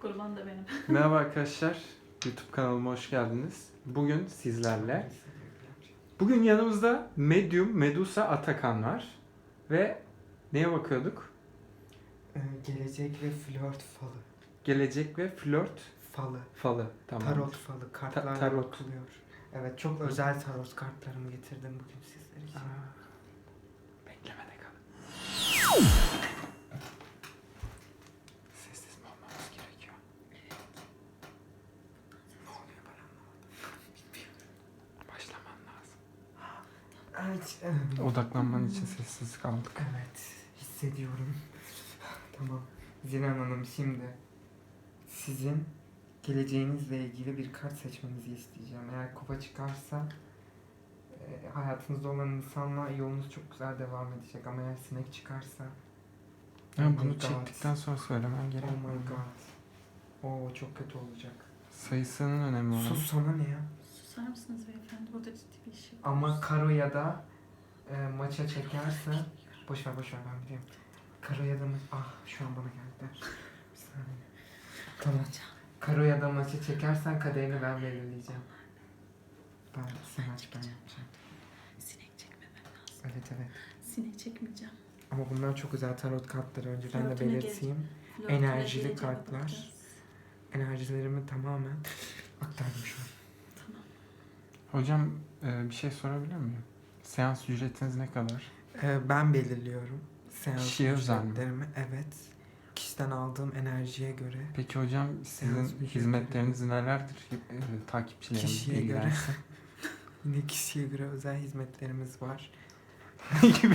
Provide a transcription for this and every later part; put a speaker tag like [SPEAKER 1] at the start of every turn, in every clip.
[SPEAKER 1] Kurban da benim.
[SPEAKER 2] Merhaba arkadaşlar, YouTube kanalıma hoş geldiniz. Bugün sizlerle, bugün yanımızda Medium Medusa Atakan var ve neye bakıyorduk?
[SPEAKER 3] Gelecek ve flört falı.
[SPEAKER 2] Gelecek ve flört falı. Tamam.
[SPEAKER 3] Tarot falı. Kartlarla
[SPEAKER 2] tarot.
[SPEAKER 3] bakılıyor. Evet, çok özel tarot kartlarımı getirdim bugün sizler için.
[SPEAKER 2] Beklemede kalın. Sessiz mi olmamız gerekiyor?
[SPEAKER 3] Ne oluyor ben anlamadım. Bilmiyorum.
[SPEAKER 2] Başlaman lazım.
[SPEAKER 3] Evet.
[SPEAKER 2] Odaklanman için sessiz kaldık.
[SPEAKER 3] Evet. Hissediyorum. Tamam. Zilan Hanım, şimdi sizin geleceğinizle ilgili bir kart seçmenizi isteyeceğim. Eğer kupa çıkarsa hayatınızda olan insanla yolunuz çok güzel devam edecek. Ama eğer sinek çıkarsa
[SPEAKER 2] Ya
[SPEAKER 3] oh my
[SPEAKER 2] bunu
[SPEAKER 3] God.
[SPEAKER 2] çektikten sonra söylemen gerek.
[SPEAKER 3] Oh my god. Oo, çok kötü olacak.
[SPEAKER 2] Sayısının önemi var.
[SPEAKER 3] Sus, sana ne ya?
[SPEAKER 1] Susar mısınız beyefendi? Burada ciddi bir iş yapıyoruz.
[SPEAKER 3] Ama karo ya da maça çekerse boş ver ben biliyorum. Karo ya da şu an bana geldi. Bir saniye. Tamam. Karo ya da maça çekersen kaderini ben belirleyeceğim. Sen aç, ben yapacağım.
[SPEAKER 1] Sinek çekmemem lazım.
[SPEAKER 3] Evet.
[SPEAKER 1] Sinek çekmeyeceğim.
[SPEAKER 3] Ama bunlar çok güzel tarot kartları, önceden de
[SPEAKER 1] Flörtüne
[SPEAKER 3] belirteyim.
[SPEAKER 1] Flörtüne
[SPEAKER 3] Enerjili
[SPEAKER 1] geleceğe
[SPEAKER 3] kartlar.
[SPEAKER 1] bakacağız.
[SPEAKER 3] Enerjilerimi tamamen aktardım şu an.
[SPEAKER 1] Tamam.
[SPEAKER 2] Hocam bir şey sorabilir miyim? Seans ücretiniz ne kadar?
[SPEAKER 3] Ben belirliyorum. Seans
[SPEAKER 2] Kişiye özel mi?
[SPEAKER 3] ücretlerimi. Evet. Kişiden aldığım enerjiye göre.
[SPEAKER 2] Peki hocam sizin
[SPEAKER 3] Seans ücretleri.
[SPEAKER 2] hizmetleriniz nelerdir? Takipçilerimiz
[SPEAKER 3] Kişiye göre.
[SPEAKER 2] bilgilensin.
[SPEAKER 3] Yine kişiye göre özel hizmetlerimiz var.
[SPEAKER 2] Ne gibi?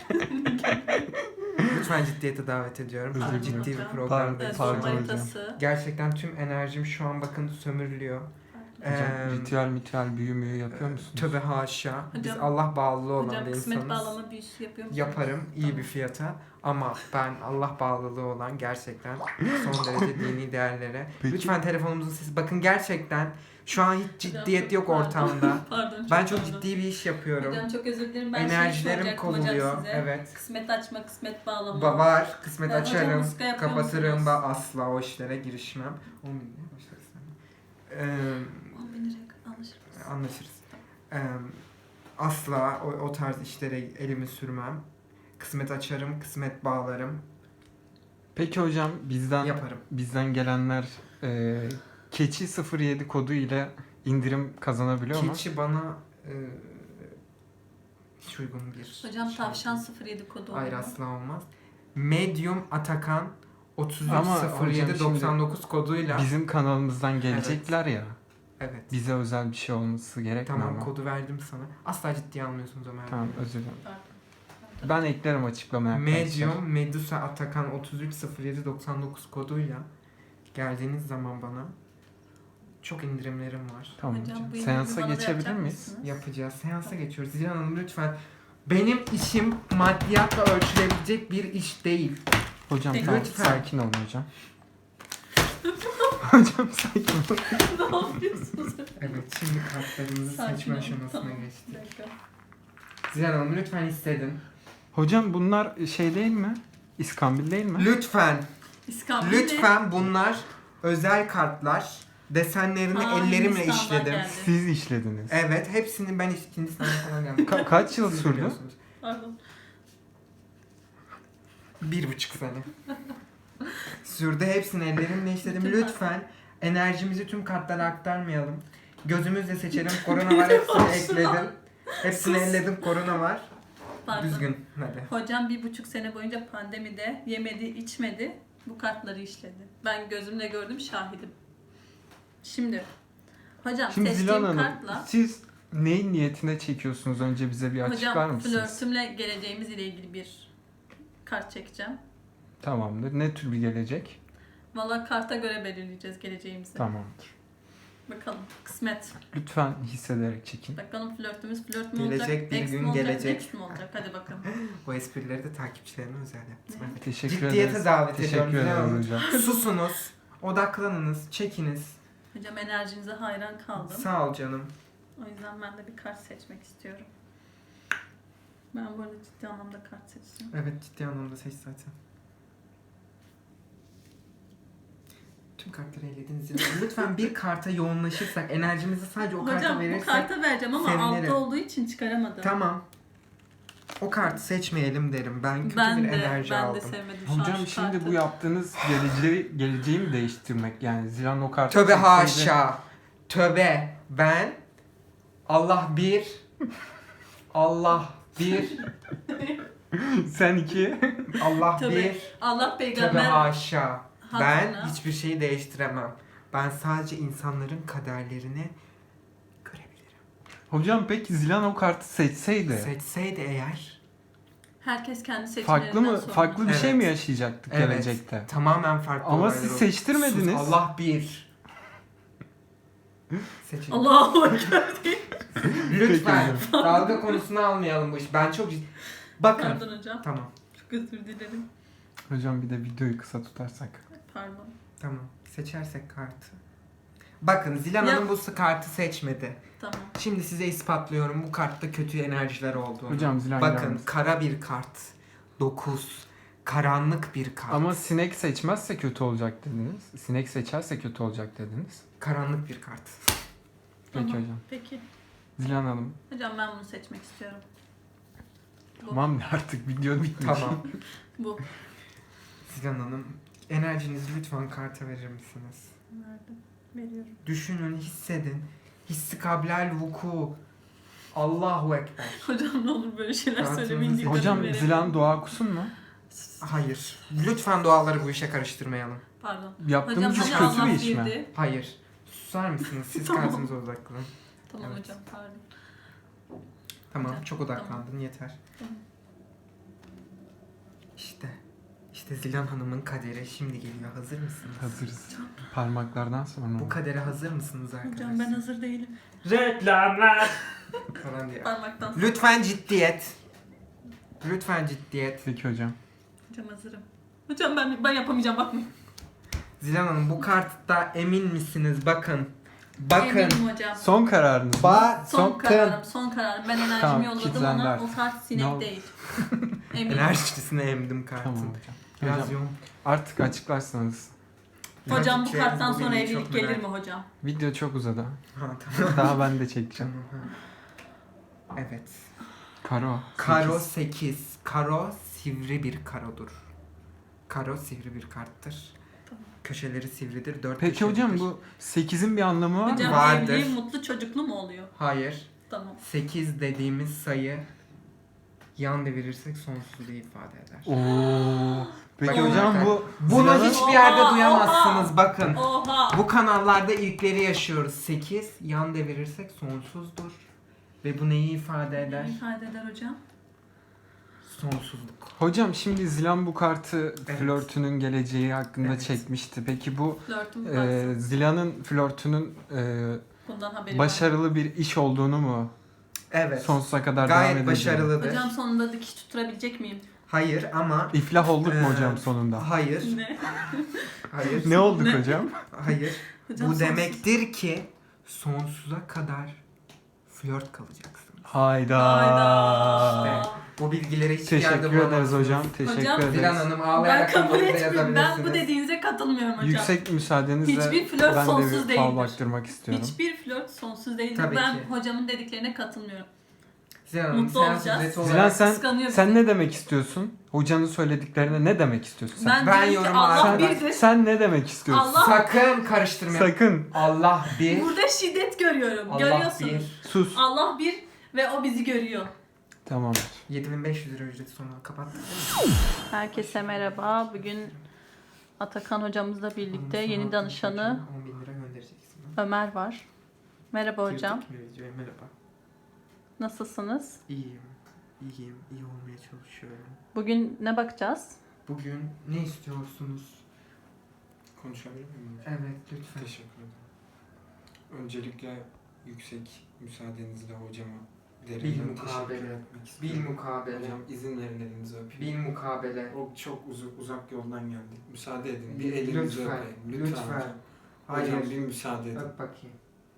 [SPEAKER 3] Lütfen ciddiyete davet ediyorum.
[SPEAKER 2] Özür
[SPEAKER 3] Ciddi
[SPEAKER 2] dilerim.
[SPEAKER 3] bir programdayız.
[SPEAKER 2] Pardon
[SPEAKER 1] Zoom
[SPEAKER 2] hocam.
[SPEAKER 1] haritası.
[SPEAKER 3] Gerçekten tüm enerjim şu an bakın sömürülüyor.
[SPEAKER 2] Hocam ritüel büyü müyü yapıyor musunuz?
[SPEAKER 3] Tövbe haşa. Biz
[SPEAKER 1] Hocam-
[SPEAKER 3] Allah bağlılığı olan
[SPEAKER 1] Hocam
[SPEAKER 3] bir
[SPEAKER 1] kısmet
[SPEAKER 3] insanız.
[SPEAKER 1] bağlama büyüsü yapıyor musunuz?
[SPEAKER 3] Yaparım iyi bir fiyata. Ama ben Allah bağlılığı olan gerçekten son derece dini değerlere.
[SPEAKER 2] Peki.
[SPEAKER 3] Lütfen telefonumuzun sesi. Bakın gerçekten şu an hiç ciddiyet yok ortamda.
[SPEAKER 1] Pardon.
[SPEAKER 3] Ben çok
[SPEAKER 1] pardon.
[SPEAKER 3] ciddi bir iş yapıyorum.
[SPEAKER 1] Hocam çok özür dilerim. Ben
[SPEAKER 3] Enerjilerim
[SPEAKER 1] soracaktım hocam
[SPEAKER 3] kovuluyor.
[SPEAKER 1] size.
[SPEAKER 3] Evet.
[SPEAKER 1] Kısmet açma, kısmet bağlama.
[SPEAKER 3] Var. Kısmet
[SPEAKER 1] Ya hocam,
[SPEAKER 3] açarım.
[SPEAKER 1] muska yapıyor
[SPEAKER 3] Kapatırım.
[SPEAKER 1] musunuz?
[SPEAKER 3] Ben asla o işlere girişmem. 10 bin liraya başlarız.
[SPEAKER 1] 10 bin liraya anlaşır mısın?
[SPEAKER 3] Anlaşırız. Asla o tarz işlere elimi sürmem. Kısmet açarım. Kısmet bağlarım.
[SPEAKER 2] Peki hocam
[SPEAKER 3] Yaparım.
[SPEAKER 2] bizden gelenler keçi 07 kodu ile indirim kazanabiliyor mu?
[SPEAKER 3] Keçi bana hiç uygun bir
[SPEAKER 1] Hocam
[SPEAKER 3] şey
[SPEAKER 1] tavşan
[SPEAKER 3] değil.
[SPEAKER 1] 07 kodu
[SPEAKER 3] Hayır,
[SPEAKER 1] olur mu?
[SPEAKER 3] asla olmaz. Medium Atakan
[SPEAKER 2] Ama hocam
[SPEAKER 3] 330799 koduyla.
[SPEAKER 2] Bizim kanalımızdan gelecekler ya.
[SPEAKER 3] Evet.
[SPEAKER 2] Bize özel bir şey olması gerekmiyor
[SPEAKER 3] Tamam,
[SPEAKER 2] mu?
[SPEAKER 3] kodu verdim sana. Asla ciddiye almıyorsunuz Ömer.
[SPEAKER 2] Tamam, özür dilerim.
[SPEAKER 1] Pardon.
[SPEAKER 2] Ben eklerim açıklamaya arkadaşlar.
[SPEAKER 3] Medium Medusa Atakan 330799 koduyla geldiğiniz zaman bana çok indirimlerim var.
[SPEAKER 2] Tamam
[SPEAKER 1] Hocam,
[SPEAKER 2] hocam.
[SPEAKER 1] bu
[SPEAKER 2] Seansa
[SPEAKER 1] indirimi bana da
[SPEAKER 2] geçebilir
[SPEAKER 1] yapacak
[SPEAKER 2] miyiz?
[SPEAKER 1] mısınız?
[SPEAKER 3] Yapacağız. Seansa geçiyoruz. Zilan Hanım lütfen. Benim işim maddiyatla ölçülebilecek bir iş değil.
[SPEAKER 2] Hocam
[SPEAKER 1] Peki.
[SPEAKER 2] tamam,
[SPEAKER 3] Lütfen.
[SPEAKER 2] sakin olun hocam. Hocam sakin olun.
[SPEAKER 1] Ne yapıyorsunuz?
[SPEAKER 3] Evet, şimdi kartlarımızı
[SPEAKER 1] Sakin
[SPEAKER 3] seçme
[SPEAKER 1] olun.
[SPEAKER 3] aşamasına
[SPEAKER 1] Tamam,
[SPEAKER 3] geçtik.
[SPEAKER 1] bir dakika.
[SPEAKER 3] Zilan Hanım lütfen hissedin.
[SPEAKER 2] Hocam bunlar şey değil mi? İskambil değil mi?
[SPEAKER 3] Lütfen,
[SPEAKER 1] İskambil'de
[SPEAKER 3] lütfen bunlar özel kartlar. Desenlerini ellerimle
[SPEAKER 1] Hindistan'dan
[SPEAKER 3] işledim.
[SPEAKER 1] geldi.
[SPEAKER 2] Siz işlediniz.
[SPEAKER 3] Evet, hepsini ben Hindistan'a falan geldim.
[SPEAKER 2] Kaç yıl
[SPEAKER 3] Siz
[SPEAKER 2] sürdü?
[SPEAKER 3] biliyorsunuz.
[SPEAKER 1] Pardon.
[SPEAKER 3] 1,5 sene. Sürdü, hepsini ellerimle işledim.
[SPEAKER 1] Bütün
[SPEAKER 3] Lütfen enerjimizi tüm kartlara aktarmayalım. Gözümüzle seçelim. Korona var, hepsini ekledim. Hepsini elledim, korona var.
[SPEAKER 1] Pardon.
[SPEAKER 3] Düzgün, hadi.
[SPEAKER 1] Hocam 1,5 sene boyunca pandemide yemedi, içmedi. Bu kartları işledi. Ben gözümle gördüm, şahidim. Şimdi hocam
[SPEAKER 2] Şimdi Zilan
[SPEAKER 1] seçtiğim
[SPEAKER 2] Hanım,
[SPEAKER 1] kartla
[SPEAKER 2] siz neyin niyetine çekiyorsunuz? Önce bize bir açıklar
[SPEAKER 1] hocam
[SPEAKER 2] mısınız?
[SPEAKER 1] flörtümle geleceğimiz ile ilgili bir kart çekeceğim.
[SPEAKER 2] Tamamdır. Ne tür bir gelecek?
[SPEAKER 1] Valla karta göre belirleyeceğiz geleceğimizi.
[SPEAKER 2] Tamamdır.
[SPEAKER 1] Bakalım kısmet.
[SPEAKER 2] Lütfen hissederek çekin.
[SPEAKER 1] Bakalım flörtümüz flört mü
[SPEAKER 3] Gelecek
[SPEAKER 1] olacak?
[SPEAKER 3] bir
[SPEAKER 1] Ex
[SPEAKER 3] gün
[SPEAKER 1] mi olacak?
[SPEAKER 3] gelecek.
[SPEAKER 1] Next mi olacak? Hadi bakalım.
[SPEAKER 3] Bu esprileri de takipçilerime özel yaptım. Evet.
[SPEAKER 2] Teşekkür
[SPEAKER 3] Ciddiyete
[SPEAKER 2] ederiz.
[SPEAKER 3] davet ediyorum.
[SPEAKER 2] Teşekkür
[SPEAKER 3] Zilan Hanım.
[SPEAKER 2] ederiz hocam.
[SPEAKER 3] Susunuz, odaklanınız, çekiniz.
[SPEAKER 1] Hocam enerjinize hayran kaldım.
[SPEAKER 3] Sağ ol canım.
[SPEAKER 1] O yüzden ben de bir kart seçmek istiyorum. Ben bu arada ciddi anlamda kart seçeceğim.
[SPEAKER 3] Evet, ciddi anlamda seç zaten. Tüm kartları elediniz. Lütfen bir karta yoğunlaşırsak, enerjimizi sadece o karta
[SPEAKER 1] Hocam bu
[SPEAKER 3] verirsek.
[SPEAKER 1] karta vereceğim ama
[SPEAKER 3] sevinirim.
[SPEAKER 1] altta olduğu için çıkaramadım.
[SPEAKER 3] Tamam. O kartı seçmeyelim derim. Ben kötü
[SPEAKER 1] Ben
[SPEAKER 3] bir
[SPEAKER 1] de,
[SPEAKER 3] enerji
[SPEAKER 1] ben
[SPEAKER 3] aldım.
[SPEAKER 1] de sevmedim şu an
[SPEAKER 2] Hocam
[SPEAKER 1] şu
[SPEAKER 2] şimdi
[SPEAKER 1] kartı.
[SPEAKER 2] bu yaptığınız geleceği mi değiştirmek yani Zilan o kartı
[SPEAKER 3] Tövbe
[SPEAKER 2] seçseydi-
[SPEAKER 3] haşa. Tövbe. Ben Allah bir. Allah bir.
[SPEAKER 2] Sen 2.
[SPEAKER 3] Allah
[SPEAKER 1] Tövbe.
[SPEAKER 3] bir.
[SPEAKER 1] Allah
[SPEAKER 3] Tövbe
[SPEAKER 1] peygamber
[SPEAKER 3] haşa. Ben
[SPEAKER 1] hatırına.
[SPEAKER 3] hiçbir şeyi değiştiremem. Ben sadece insanların kaderlerini görebilirim.
[SPEAKER 2] Hocam peki Zilan o kartı seçseydi
[SPEAKER 3] Seçseydi eğer
[SPEAKER 1] Herkes kendi seçimlerinden
[SPEAKER 2] farklı mı?
[SPEAKER 1] sorumlu.
[SPEAKER 2] Farklı bir şey
[SPEAKER 3] Evet.
[SPEAKER 2] mi yaşayacaktık
[SPEAKER 3] Evet.
[SPEAKER 2] gelecekte?
[SPEAKER 3] tamamen farklı
[SPEAKER 2] Ama
[SPEAKER 3] olaylar
[SPEAKER 2] siz
[SPEAKER 3] olur.
[SPEAKER 2] seçtirmediniz.
[SPEAKER 3] Sus, Allah bir. Seçin.
[SPEAKER 1] Allahu Ekber.
[SPEAKER 3] Lütfen
[SPEAKER 2] Peki
[SPEAKER 3] dalga konusunu almayalım bu iş. Ben çok bakın.
[SPEAKER 1] Pardon hocam.
[SPEAKER 3] Tamam.
[SPEAKER 1] Çok özür dilerim.
[SPEAKER 2] Hocam bir de videoyu kısa tutarsak.
[SPEAKER 1] Pardon.
[SPEAKER 3] Tamam. Seçersek kartı. Bakın Zilan
[SPEAKER 1] Ya-
[SPEAKER 3] Hanım bu kartı seçmedi.
[SPEAKER 1] Tamam.
[SPEAKER 3] Şimdi size ispatlıyorum bu kartta kötü enerjiler olduğunu.
[SPEAKER 2] Hocam Zilan
[SPEAKER 3] Bakın
[SPEAKER 2] gelmez.
[SPEAKER 3] kara bir kart. 9. Karanlık bir kart.
[SPEAKER 2] Ama sinek seçmezse kötü olacak dediniz. Sinek seçerse kötü olacak dediniz.
[SPEAKER 3] Karanlık bir kart.
[SPEAKER 2] Peki
[SPEAKER 1] Tamam.
[SPEAKER 2] hocam.
[SPEAKER 1] Peki.
[SPEAKER 2] Zilan Hanım.
[SPEAKER 1] Hocam ben bunu seçmek istiyorum. Bu.
[SPEAKER 2] Tamam artık video bitmiş.
[SPEAKER 3] Tamam.
[SPEAKER 1] Bu.
[SPEAKER 3] Zilan Hanım enerjinizi lütfen karta verir misiniz?
[SPEAKER 1] Verdim. Veriyorum.
[SPEAKER 3] Düşünün, hissedin. Hissi kablel vuku. Allahu Ekber.
[SPEAKER 1] Hocam ne olur böyle şeyler
[SPEAKER 3] Kartınızı
[SPEAKER 1] söylemeyin.
[SPEAKER 3] seçin.
[SPEAKER 1] dikkatimi
[SPEAKER 2] Hocam
[SPEAKER 1] verelim.
[SPEAKER 2] Zilan dua okusun mu?
[SPEAKER 3] Hayır. Lütfen duaları bu işe karıştırmayalım.
[SPEAKER 1] Pardon.
[SPEAKER 2] Yaptığımız
[SPEAKER 1] Hocam
[SPEAKER 2] iş
[SPEAKER 1] hani
[SPEAKER 2] kötü
[SPEAKER 1] Allah
[SPEAKER 2] bir iş mi?
[SPEAKER 1] birdi.
[SPEAKER 3] Hayır. Susar mısınız? Siz
[SPEAKER 1] Tamam.
[SPEAKER 3] kartınıza odaklanın.
[SPEAKER 1] Tamam
[SPEAKER 3] Evet.
[SPEAKER 1] hocam pardon.
[SPEAKER 3] Tamam,
[SPEAKER 1] Hocam,
[SPEAKER 3] çok odaklandın yeter.
[SPEAKER 1] Tamam.
[SPEAKER 3] İşte Zilan Hanım'ın kaderi şimdi geliyor. Hazır mısınız?
[SPEAKER 2] Hazırız. Parmaklardan sonra.
[SPEAKER 3] Bu kadere hazır mısınız arkadaşlar?
[SPEAKER 1] Hocam ben hazır değilim.
[SPEAKER 3] Reklamlar falan diye.
[SPEAKER 1] Parmaktan sonra.
[SPEAKER 3] Lütfen ciddiyet. Lütfen ciddiyet.
[SPEAKER 2] Peki hocam.
[SPEAKER 1] Hocam hazırım. Hocam ben yapamayacağım bakmayın.
[SPEAKER 3] Zilan Hanım bu kartta emin misiniz? Bakın. Bakın.
[SPEAKER 1] Eminim hocam.
[SPEAKER 2] Son kararınız.
[SPEAKER 1] Son kararım, son kararım. Ben enerjimi
[SPEAKER 2] Tamam,
[SPEAKER 1] yolladım
[SPEAKER 2] kilitlendi
[SPEAKER 1] ona.
[SPEAKER 2] artık.
[SPEAKER 1] O kart sinek
[SPEAKER 2] No.
[SPEAKER 1] değil. Eminim.
[SPEAKER 3] Enerjisine emdim kartın.
[SPEAKER 2] Tamam hocam.
[SPEAKER 3] Biraz
[SPEAKER 2] Hocam,
[SPEAKER 3] yoğun.
[SPEAKER 2] artık açıklarsanız.
[SPEAKER 1] Hocam bu
[SPEAKER 3] Gerçekten
[SPEAKER 1] karttan
[SPEAKER 3] bu
[SPEAKER 1] sonra
[SPEAKER 3] bilgiyi
[SPEAKER 1] evlilik
[SPEAKER 3] çok
[SPEAKER 1] gelir
[SPEAKER 3] merak-
[SPEAKER 1] mi hocam?
[SPEAKER 2] Video çok uzadı.
[SPEAKER 3] Ha, tamam.
[SPEAKER 2] Daha ben de çekeceğim.
[SPEAKER 3] Evet.
[SPEAKER 2] Karo.
[SPEAKER 3] Karo
[SPEAKER 2] 8.
[SPEAKER 3] 8. Karo sivri bir karodur. Karo sivri bir karttır.
[SPEAKER 1] Tamam.
[SPEAKER 3] Köşeleri sivridir. 4
[SPEAKER 2] Peki hocam bu 8'in bir anlamı var mı?
[SPEAKER 1] Hocam
[SPEAKER 3] Vardır.
[SPEAKER 1] evli, mutlu, çocuklu mu oluyor?
[SPEAKER 3] Hayır.
[SPEAKER 1] Tamam.
[SPEAKER 3] 8 dediğimiz sayı yan devirirsek sonsuzu ifade eder.
[SPEAKER 2] Oo. Peki
[SPEAKER 3] Bakın
[SPEAKER 2] hocam
[SPEAKER 3] zaten.
[SPEAKER 2] bu
[SPEAKER 3] Bunu
[SPEAKER 2] Zilan'ın-
[SPEAKER 3] hiçbir yerde
[SPEAKER 1] Oha,
[SPEAKER 3] duyamazsınız
[SPEAKER 1] oha.
[SPEAKER 3] bakın.
[SPEAKER 1] Oha!
[SPEAKER 3] Bu kanallarda ilkleri yaşıyoruz. 8 yan devirirsek sonsuzdur. Ve bu neyi ifade eder?
[SPEAKER 1] Ne ifade eder hocam?
[SPEAKER 3] Sonsuzluk.
[SPEAKER 2] Hocam şimdi Zilan bu kartı
[SPEAKER 3] Evet.
[SPEAKER 2] flörtünün geleceği hakkında
[SPEAKER 3] Evet.
[SPEAKER 2] çekmişti. Peki bu
[SPEAKER 1] Flörtüm varsa
[SPEAKER 2] Zilan'ın flörtünün
[SPEAKER 1] bundan haberi var.
[SPEAKER 2] başarılı bir iş olduğunu mu
[SPEAKER 3] Evet.
[SPEAKER 2] sonsuza kadar devam
[SPEAKER 3] Gayet
[SPEAKER 2] edeceğini?
[SPEAKER 3] başarılıdır.
[SPEAKER 1] Hocam sonunda dikiş tutturabilecek miyim?
[SPEAKER 3] Hayır ama
[SPEAKER 2] İflah olduk mu
[SPEAKER 3] Ee,
[SPEAKER 2] hocam sonunda?
[SPEAKER 3] hayır.
[SPEAKER 1] Ne?
[SPEAKER 3] Hayır.
[SPEAKER 2] Ne olduk
[SPEAKER 1] Ne?
[SPEAKER 2] hocam?
[SPEAKER 3] Hayır.
[SPEAKER 1] Hocam
[SPEAKER 3] Bu
[SPEAKER 1] sonsuz-
[SPEAKER 3] demektir ki sonsuza kadar flört kalacaksınız.
[SPEAKER 2] Hayda.
[SPEAKER 1] Hayda.
[SPEAKER 3] Bu bilgileri hiçbir yerde
[SPEAKER 2] Teşekkür ederiz
[SPEAKER 3] bulamazsınız.
[SPEAKER 2] hocam. Teşekkür
[SPEAKER 1] Hocam,
[SPEAKER 2] ederiz.
[SPEAKER 3] Zilan Hanım
[SPEAKER 1] Ben
[SPEAKER 3] ağlayarak
[SPEAKER 1] kabul
[SPEAKER 3] kanalımıza
[SPEAKER 1] etmiyorum. Ben bu
[SPEAKER 3] yazabilirsiniz.
[SPEAKER 1] dediğinize katılmıyorum hocam.
[SPEAKER 2] Yüksek müsaadenizle
[SPEAKER 1] Hiçbir flört
[SPEAKER 2] ben de
[SPEAKER 1] sonsuz
[SPEAKER 2] bir fal
[SPEAKER 1] değildir.
[SPEAKER 2] baktırmak istiyorum.
[SPEAKER 1] Hiçbir flört sonsuz değildir.
[SPEAKER 3] Tabii
[SPEAKER 1] Ben
[SPEAKER 3] ki.
[SPEAKER 1] hocamın dediklerine katılmıyorum.
[SPEAKER 3] Zilan Hanım
[SPEAKER 1] Mutlu
[SPEAKER 3] seans
[SPEAKER 1] olacağız.
[SPEAKER 3] ücreti
[SPEAKER 2] Zilan
[SPEAKER 3] olarak
[SPEAKER 1] Kıskanıyor
[SPEAKER 2] sen
[SPEAKER 1] bizi.
[SPEAKER 2] ne demek istiyorsun? Hocanın söylediklerine ne demek istiyorsun sen?
[SPEAKER 3] Ben
[SPEAKER 1] diyorum ki
[SPEAKER 3] yoruma
[SPEAKER 1] Allah
[SPEAKER 3] sen-
[SPEAKER 1] birdir.
[SPEAKER 2] Sen ne demek istiyorsun?
[SPEAKER 1] Allah-
[SPEAKER 3] sakın karıştırmayın.
[SPEAKER 2] Sakın
[SPEAKER 3] Allah bir.
[SPEAKER 1] Burada şiddet görüyorum.
[SPEAKER 3] Allah
[SPEAKER 1] Görüyorsunuz.
[SPEAKER 3] bir.
[SPEAKER 2] sus.
[SPEAKER 1] Allah bir ve o bizi görüyor.
[SPEAKER 2] Tamam.
[SPEAKER 3] 7500 lira ücreti sonra kapattık.
[SPEAKER 1] Herkese merhaba. Bugün Atakan hocamızla birlikte yeni danışanı
[SPEAKER 3] 10.000 lira göndereceksin.
[SPEAKER 1] Ömer var. Merhaba hocam.
[SPEAKER 3] Girdik mi videoya? Merhaba.
[SPEAKER 1] Nasılsınız?
[SPEAKER 3] İyiyim. İyiyim. İyi olmaya çalışıyorum.
[SPEAKER 1] Bugün ne bakacağız?
[SPEAKER 3] Bugün ne istiyorsunuz?
[SPEAKER 2] Konuşabilir miyim?
[SPEAKER 3] Evet lütfen.
[SPEAKER 2] Teşekkür ederim. Öncelikle yüksek müsaadenizle hocama
[SPEAKER 3] Bilmukabele. Bilmukabele.
[SPEAKER 2] Hocam izin verin elinizi öpeyim.
[SPEAKER 3] Bilmukabele.
[SPEAKER 2] O çok uzak yoldan geldik. Müsaade edin. Bir
[SPEAKER 3] Lütfen,
[SPEAKER 2] elinizi öpeyim.
[SPEAKER 3] lütfen.
[SPEAKER 2] hocam.
[SPEAKER 3] Hayır.
[SPEAKER 2] Hocam bir müsaade edin.
[SPEAKER 3] Öp bakayım.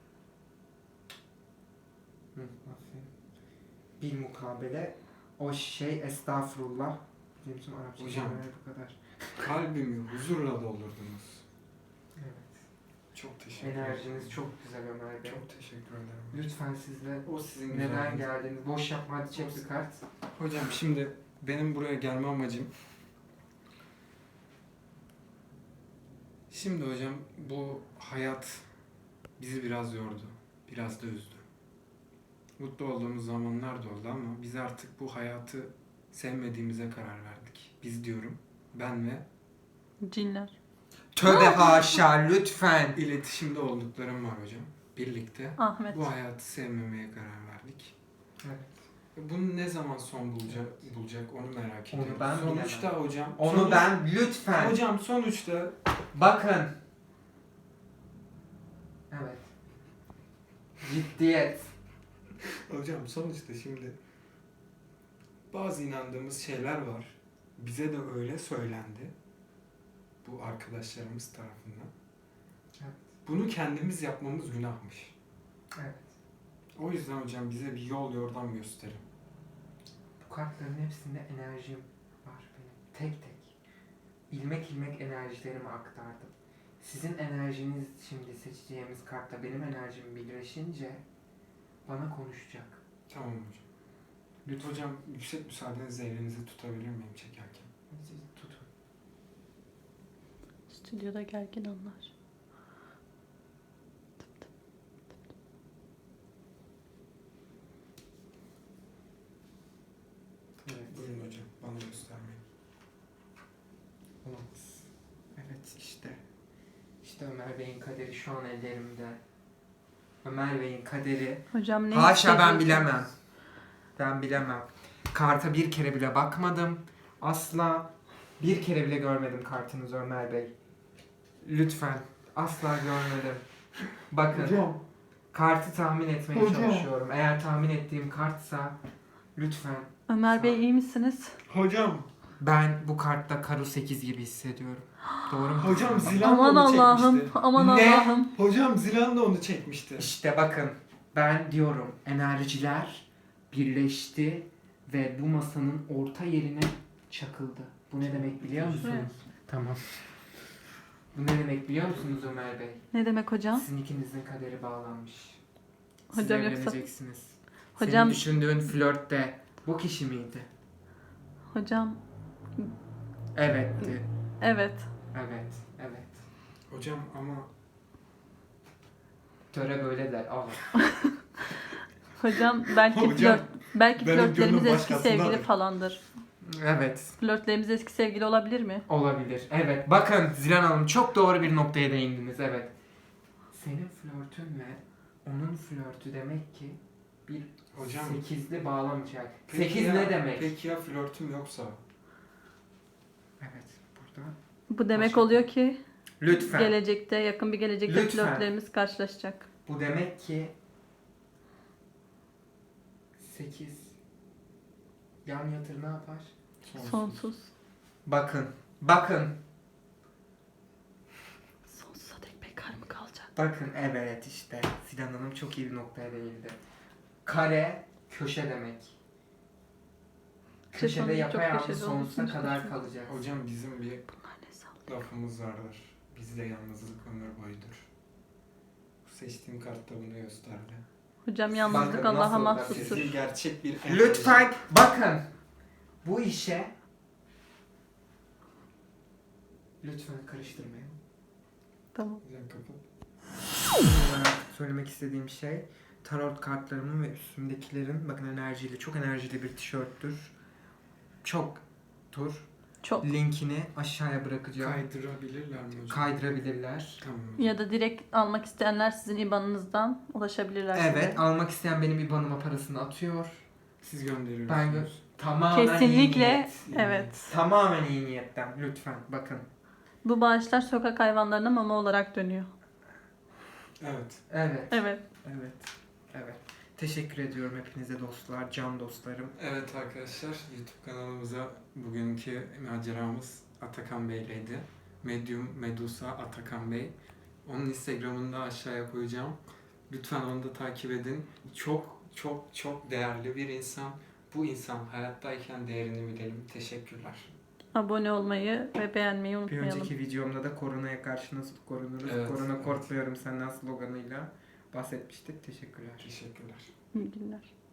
[SPEAKER 3] Hı, aferin. Bilmukabele. O şey estağfurullah. Bizim Arapça
[SPEAKER 2] Hocam.
[SPEAKER 3] kelimeler bu kadar.
[SPEAKER 2] Kalbimi huzurla doldurdunuz.
[SPEAKER 3] Evet.
[SPEAKER 2] Çok teşekkür ederim.
[SPEAKER 3] Enerjiniz çok güzel Ömer Bey.
[SPEAKER 2] Çok teşekkür ederim.
[SPEAKER 3] Lütfen siz de
[SPEAKER 2] O sizin
[SPEAKER 3] neden
[SPEAKER 2] güzelliğiniz.
[SPEAKER 3] geldiniz? Boş yapma, hadi çek bir kart.
[SPEAKER 2] Hocam şimdi benim buraya gelme amacım... Şimdi hocam bu hayat bizi biraz yordu. Biraz da üzdü. Mutlu olduğumuz zamanlar da oldu ama biz artık bu hayatı sevmediğimize karar verdik. Biz diyorum. Ben ve
[SPEAKER 1] Cinler.
[SPEAKER 3] Tövbe haşa, lütfen.
[SPEAKER 2] iletişimde olduklarım var hocam. Birlikte
[SPEAKER 1] Ahmet.
[SPEAKER 2] bu hayatı sevmemeye karar verdik.
[SPEAKER 3] Evet.
[SPEAKER 2] Bunu ne zaman son bulacak onu merak
[SPEAKER 3] Onu
[SPEAKER 2] ediyorum.
[SPEAKER 3] ben
[SPEAKER 2] Sonuçta hocam.
[SPEAKER 3] Onu ben lütfen.
[SPEAKER 2] Hocam sonuçta
[SPEAKER 3] Bakın. Evet. Ciddiyet.
[SPEAKER 2] hocam sonuçta şimdi bazı inandığımız şeyler var. Bize de öyle söylendi. Bu arkadaşlarımız tarafından.
[SPEAKER 3] Evet.
[SPEAKER 2] Bunu kendimiz yapmamız günahmış.
[SPEAKER 3] Evet.
[SPEAKER 2] O yüzden hocam bize bir yol yordam gösterin.
[SPEAKER 3] Bu kartların hepsinde enerjim var benim. Tek tek. İlmek ilmek enerjilerimi aktardım. Sizin enerjiniz şimdi seçeceğimiz kartta benim enerjim birleşince bana konuşacak.
[SPEAKER 2] Tamam hocam. Lütfen hocam yüksek müsaadenizle elinizi tutabilir miyim çekerken?
[SPEAKER 3] Siz tutun.
[SPEAKER 1] Stüdyoda gergin anlar.
[SPEAKER 3] Evet.
[SPEAKER 2] Buyurun hocam bana göstermeyin.
[SPEAKER 3] Olamaz. Evet işte. İşte Ömer Bey'in kaderi şu an ellerimde. Ömer Bey'in kaderi.
[SPEAKER 1] Hocam ne
[SPEAKER 3] Haşa, ben
[SPEAKER 1] hissediyorsunuz?
[SPEAKER 3] bilemem. Ben bilemem. Karta bir kere bile bakmadım. Asla bir kere bile görmedim kartınızı Ömer Bey. Lütfen. Asla görmedim. Bakın.
[SPEAKER 2] Hocam.
[SPEAKER 3] Kartı tahmin etmeye
[SPEAKER 2] Hocam.
[SPEAKER 3] çalışıyorum. Eğer tahmin ettiğim kartsa lütfen.
[SPEAKER 1] Ömer Bey iyi misiniz?
[SPEAKER 2] Hocam.
[SPEAKER 3] Ben bu kartta Karo 8 gibi hissediyorum. Doğru mu?
[SPEAKER 2] Hocam Zilan
[SPEAKER 1] Aman
[SPEAKER 2] da onu
[SPEAKER 1] Allah'ım.
[SPEAKER 2] çekmişti.
[SPEAKER 1] Aman
[SPEAKER 3] Ne?
[SPEAKER 1] Allah'ım.
[SPEAKER 2] Hocam Zilan da onu çekmişti.
[SPEAKER 3] İşte bakın. Ben diyorum enerjiler birleşti ve bu masanın orta yerine çakıldı. Bu ne demek biliyor musunuz?
[SPEAKER 1] Evet.
[SPEAKER 3] Tamam. Bu ne demek biliyor musunuz Ömer Bey?
[SPEAKER 1] Ne demek hocam?
[SPEAKER 3] Sizin ikinizin kaderi bağlanmış. Siz
[SPEAKER 1] Hocam yoksa-
[SPEAKER 3] evleneceksiniz.
[SPEAKER 1] Hocam-
[SPEAKER 3] Senin düşündüğün flörtte bu kişi miydi?
[SPEAKER 1] Hocam
[SPEAKER 3] Evetti.
[SPEAKER 1] evet.
[SPEAKER 3] Evet. Evet.
[SPEAKER 2] Hocam ama
[SPEAKER 3] Töre böyle der. Al.
[SPEAKER 1] Hocam belki
[SPEAKER 2] Hocam,
[SPEAKER 1] belki
[SPEAKER 2] benim
[SPEAKER 1] flörtlerimiz
[SPEAKER 2] gönlüm
[SPEAKER 1] eski
[SPEAKER 2] başkasındadır.
[SPEAKER 1] sevgili falandır.
[SPEAKER 3] Evet.
[SPEAKER 1] Flörtlerimiz eski sevgili olabilir mi?
[SPEAKER 3] Olabilir. Evet. Bakın Zilan Hanım çok doğru bir noktaya değindiniz. Evet. Senin flörtünle onun flörtü demek ki bir
[SPEAKER 2] hocam.
[SPEAKER 3] sekizli bağlamayacak.
[SPEAKER 2] Peki
[SPEAKER 3] 8
[SPEAKER 2] ya-
[SPEAKER 3] ne demek?
[SPEAKER 2] Peki ya flörtüm yoksa?
[SPEAKER 3] Evet. Burada.
[SPEAKER 1] Bu demek
[SPEAKER 3] Başka-
[SPEAKER 1] oluyor ki
[SPEAKER 3] Lütfen.
[SPEAKER 1] gelecekte, yakın bir gelecekte
[SPEAKER 3] Lütfen.
[SPEAKER 1] flörtlerimiz karşılaşacak.
[SPEAKER 3] Bu demek ki 8 yan yatır ne yapar?
[SPEAKER 1] Sonsuz.
[SPEAKER 3] Bakın. Bakın.
[SPEAKER 1] Sonsuza dek bekar mı kalacak?
[SPEAKER 3] Bakın evet işte. Zilan Hanım çok iyi bir noktaya değindi. Kare köşe demek. Köşede
[SPEAKER 1] sonunda çok
[SPEAKER 3] yapayalnız
[SPEAKER 1] köşede
[SPEAKER 3] sonsuza
[SPEAKER 1] olduğu için
[SPEAKER 3] kadar
[SPEAKER 1] hiç
[SPEAKER 3] kalacak.
[SPEAKER 2] Hocam bizim bir
[SPEAKER 1] Bunlar ne sağlıyor?
[SPEAKER 2] lafımız vardır. Bizde yalnızlık ömür boyudur. Bu seçtiğim kartta bunu gösterdi.
[SPEAKER 1] Hocam yalnızlık
[SPEAKER 3] Bakın
[SPEAKER 1] Allah'a
[SPEAKER 3] nasıl da
[SPEAKER 1] mahsustur.
[SPEAKER 2] Sizi gerçek bir
[SPEAKER 3] Lütfen bakın. Bu işe lütfen karıştırmayın.
[SPEAKER 1] Tamam.
[SPEAKER 2] Hocam kapat.
[SPEAKER 3] Son olarak söylemek istediğim şey tarot kartlarımın ve üstümdekilerin bakın enerjili, çok enerjili bir tişörttür. Çoktur.
[SPEAKER 1] Çok.
[SPEAKER 3] Linkini aşağıya bırakacağım.
[SPEAKER 2] Kaydırabilirler mi hocam?
[SPEAKER 3] Kaydırabilirler.
[SPEAKER 2] Tamam hocam.
[SPEAKER 1] Ya da direkt almak isteyenler sizin IBAN'ınızdan ulaşabilirler size.
[SPEAKER 3] Evet, almak isteyen benim IBAN'ıma parasını atıyor.
[SPEAKER 2] Siz gönderiyorsunuz.
[SPEAKER 3] Ben tamamen iyi
[SPEAKER 1] Kesinlikle.
[SPEAKER 3] niyet.
[SPEAKER 1] Evet.
[SPEAKER 3] Tamamen iyi niyetten. Lütfen bakın.
[SPEAKER 1] Bu bağışlar sokak hayvanlarına mama olarak dönüyor.
[SPEAKER 2] Evet.
[SPEAKER 3] Evet.
[SPEAKER 1] Evet.
[SPEAKER 3] Evet. Evet. Teşekkür ediyorum hepinize dostlar, can dostlarım.
[SPEAKER 2] Evet arkadaşlar YouTube kanalımıza bugünkü maceramız Atakan Bey'leydi. Medium Medusa Atakan Bey. Onun Instagram'ını da aşağıya koyacağım. Lütfen onu da takip edin. Çok çok çok değerli bir insan. Bu insan hayattayken değerini bilelim. Teşekkürler.
[SPEAKER 1] Abone olmayı ve beğenmeyi
[SPEAKER 3] Bir
[SPEAKER 1] unutmayalım.
[SPEAKER 3] önceki videomda da koronaya karşı nasıl korunuruz,
[SPEAKER 2] Evet,
[SPEAKER 3] korona
[SPEAKER 2] evet.
[SPEAKER 3] Korkluyorum senden sloganıyla bahsetmiştik. Teşekkürler.
[SPEAKER 2] Teşekkürler.
[SPEAKER 1] İyi günler.